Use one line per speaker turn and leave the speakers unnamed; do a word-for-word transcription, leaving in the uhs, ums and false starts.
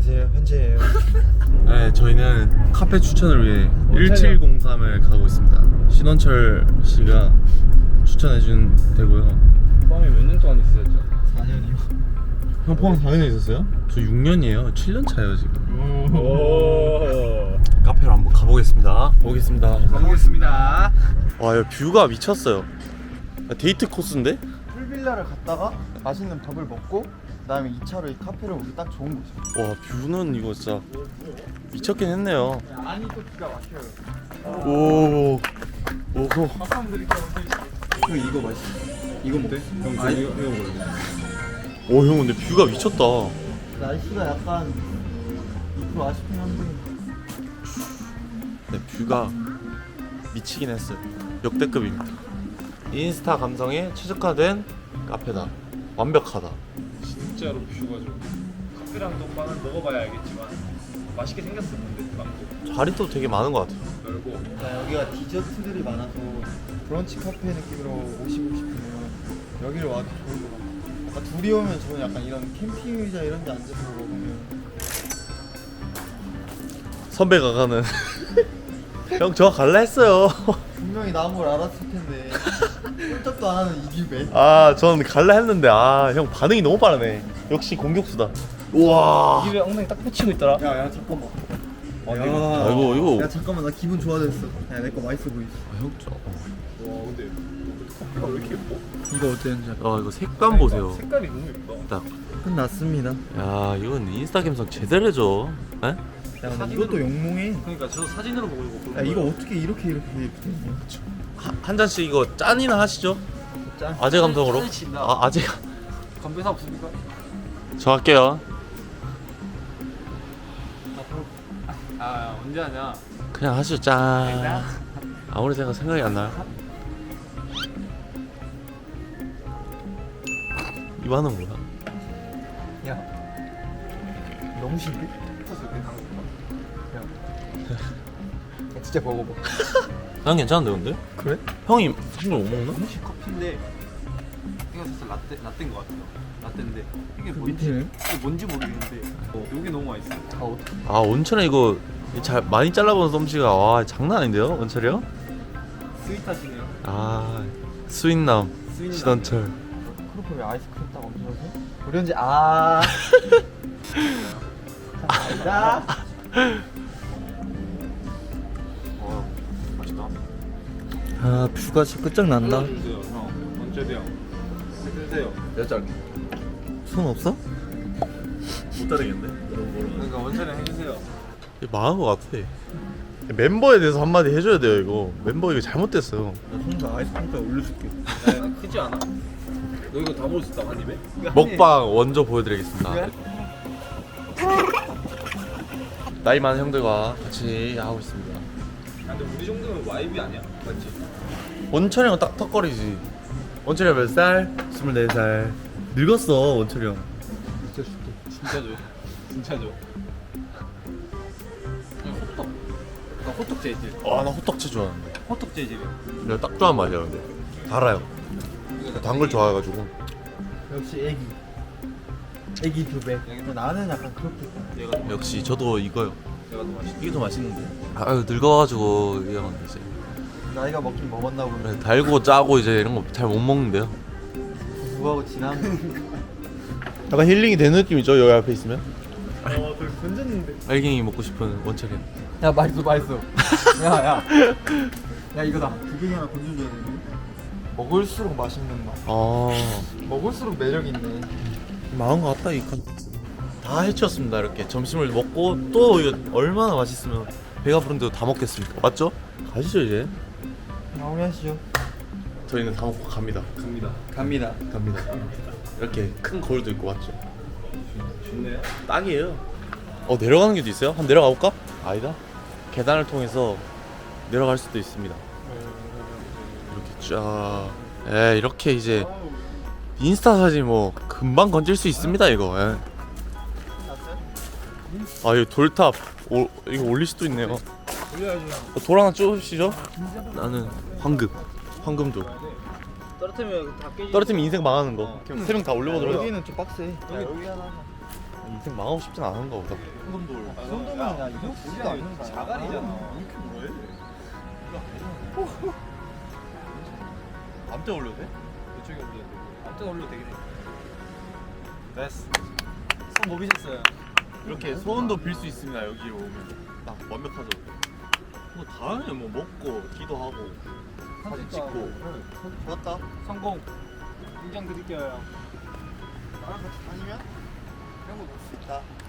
안녕하세요, 현재예요.
네, 저희는 카페 추천을 위해 일칠공삼을 가고 있습니다. 신원철 씨가 추천해준 데고요.
포함이 몇 년 동안 있으셨죠?
사 년이요.
형 포항 사 년 있었어요? 저 육 년이에요. 칠 년 차예요 지금.
오.
카페로 한번 가보겠습니다. 보겠습니다.
가보겠습니다.
와, 야, 뷰가 미쳤어요. 야, 데이트 코스인데?
풀빌라를 갔다가 맛있는 밥을 먹고 그다음에 이 차로 이 카페를 오기 딱 좋은 곳이에요.
와, 뷰는 이거 진짜 미쳤긴 했네요.
안이 또 기가 막혀요.
오, 오호.
사람들이
형 이거 맛있어. 이거 먹대?
형
아니,
이거 이거 먹을래?
오, 형 근데 뷰가 미쳤다.
날씨가 약간 이 퍼센트 아쉽긴 한데
네, 뷰가 미치긴 했어요. 역대급입니다. 인스타 감성에 최적화된 카페다. 완벽하다.
진짜로 뷰가 좀 커피랑 떡빵은 먹어봐야 알겠지만 맛있게 생겼어. 근데 빵도
자리도 되게 많은 것 같아요.
열고
그러니까 여기가 디저트들이 많아서 브런치 카페 느낌으로 오시고 싶으면 여기를 와도 좋을 것 같아요. 약간 둘이 오면 저는 약간 이런 캠핑 의자 이런 데 앉아서 먹으면
선배가 가는 형 저 갈라 했어요.
분명히 나온 걸 알았을 텐데 꼼짝도 안 하는 이규배.
아, 전 갈라 했는데 아, 형 반응이 너무 빠르네. 역시 공격수다. 우와.
입에 엉덩이 딱 붙이고 있더라.
야야 잠깐만.
아,
야,
아, 이거 이거.
야 잠깐만 나 기분 좋아졌어. 야 내 거 맛있어 보이지?
아, 형 저.
와 근데 커피가 왜 이렇게 예뻐?
이거 어땠는지
아, 이거 색감 보세요.
색깔이 너무 예쁘다.
딱.
끝났습니다.
야, 이건 인스타 감성 제대로 해줘. 에?
야 근데 이것도 영롱해.
그러니까 저도 사진으로 보고 이거
야 이거 어떻게 이렇게 이렇게 예쁘게
한, 한 잔씩 이거 짠이나 하시죠?
짠.
아재 감성으로.
짠이 친다.
아, 아재.
건배사 없습니까?
저 할게요.
아 언제 하냐?
그냥 하시죠. 짠. 아무리 생각 생각이 안 나요. 이 반은 뭐야?
야 너무 신데? 야 진짜 먹어봐.
난 괜찮은데 근데?
그래?
형이 술을 못 먹나?
혹시 커피인데 이거 사실 라떼 라떼인 것 같아요. 라떼인데 이게
그
뭔지
밑에는?
이게 뭔지 모르겠는데 어, 여기 너무 맛있어.
다 어떻게?
아, 원철에 이거 잘 많이 잘라본 썸씨가 와 장난 아닌데요? 원철이 형?
스윗하시네요.
아, 수인남
스윗남.
신원철.
그렇게 왜 아이스크림 딱 얹어서? 우리 언제 아. 자.
어 맛있다.
아 뷰가 진짜 끝장난다.
주세요 형. 원철이 형. 해주세요.
몇 장?
손 없어?
못 따르겠는데?
그러니까 원철이 형 해주세요.
망한 것 같아. 멤버에 대해서 한마디 해줘야 돼요 이거. 멤버 이거 잘못됐어요.
나 손도 아이스크림 딱 올려줄게.
야, 크지 않아? 너 이거 다 먹을 수 있다 한 입에?
먹방 원조 보여드리겠습니다.
그래?
나이 많은 형들과 같이 하고 있습니다.
아, 근데 우리 정도면 와이비 아니야? 맞지?
원철이 형은 딱 턱걸이지. 원철이 형 몇 살? 스물네 살. 늙었어 원철이 형.
진짜 줄게.
진짜죠. 진짜죠. 호떡. 나 호떡 재질.
와, 나 호떡채 좋아하는데.
호떡 재질이야.
내가 딱 좋아하는 맛이야 근데. 달아요. 단 걸 좋아해가지고.
역시 애기. 애기 교배. 나는 약간 그렇게.
얘가 더
역시 저도 이거요.
얘가 더 맛있어.
이게 더 맛있는데. 아유, 늙어가지고 이런 이제
나이가 먹긴 먹었나 보네.
그래, 달고 짜고 이제 이런 거 잘 못 먹는데요.
누구하고 지나면.
약간 힐링이 되는 느낌이죠 여기 앞에 있으면.
어, 되게 건졌는데.
알갱이 먹고 싶은 원철이.
야 맛있어 맛있어. 야야. 야 이거다. 두 개나 건져줘야 되네. 먹을수록 맛있는 맛.
아,
먹을수록 매력 있네.
망한 것 같다 이 컨. 다 해치웠습니다 이렇게. 점심을 먹고 또 이거 얼마나 맛있으면 배가 부른데도 다 먹겠습니까? 맞죠? 가시죠 이제.
마무리하시죠.
저희는 다 먹고 갑니다.
갑니다.
갑니다.
갑니다. 이렇게 큰 거울도 있고 맞죠?
좋네요.
딱이에요. 어, 내려가는 길도 있어요? 한번 내려가 볼까? 아니다. 계단을 통해서 내려갈 수도 있습니다. 이렇게 쫙. 에, 이렇게 이제 인스타 사진 뭐 금방 건질 수 있습니다 이거. 에. 아, 이 돌탑 오, 이거 올릴 수도 있네요.
올려야죠.
어, 돌 하나 쪼시죠? 나는 황금, 황금돌.
떨어뜨리면 다 깨지.
떨어뜨리면 인생 망하는 거. 세 명 다 올려보도록.
여기는 좀 빡세. 야, 여기 하나.
인생 망하고 싶진 않은가 보다.
손돌.
아,
이 정도면
야,
야 이거 보지도 않는 거야.
자갈이잖아.
이렇게 뭐해?
암대 올려도 돼? 이쪽에 올려도 돼. 암대 올려도 되긴 해. 됐어. 손 못 비셨어요.
이렇게 소원도 빌 수 있습니다. 여기로 오면 딱 완벽하죠. 뭐 다음에 뭐 먹고 기도하고 사진 찍고.
좋았다.
성공. 인정 드릴게요.
나랑 같이 다니면 이런 거 볼 수 있다.